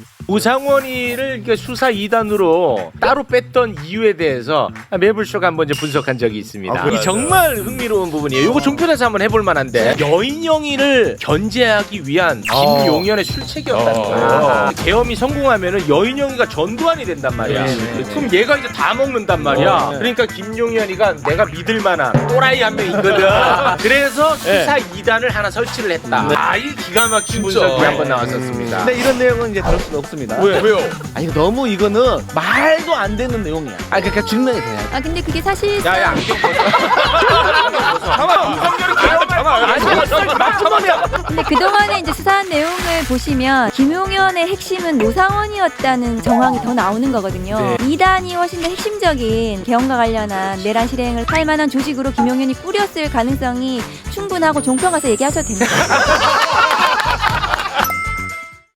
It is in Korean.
우상원이를 수사 2단으로 따로 뺐던 이유에 대해서 매불쇼가 한번 이제 분석한 적이 있습니다. 이 정말 흥미로운 부분이에요. 이거 종편에서 한번 해볼 만한데 여인영이를 견제하기 위한 김용현의 술책이었다는 거야. 계엄이 성공하면은 여인영이가 전두환이 된단 말이야. 그럼 얘가 이제 다 먹는단 말이야. 그러니까 김용현이가 내가 믿을 만한 또라이 한 명 있거든. 그래서 수사 2단을 하나 설치를 했다. 이 기가 막힌 분석이 한번 나왔었습니다. 근데 이런 내용은 이제 다룰 수가 없습니다. 왜요? 아니 너무 이거는 말도 안 되는 내용이야. 그러니까 증명이 돼야 돼. 근데 그게 사실 야야 안경 벗어. 근데 그동안에 이제 수사한 내용을 보시면 김용현의 핵심은 노상원이었다는 정황이 더 나오는 거거든요. 2단이 훨씬 더 핵심적인 계엄과 관련한 내란 실행을 할 만한 조직으로 김용현이 꾸렸을 가능성이 충분하고 종편 가서 얘기하셔도 됩니다.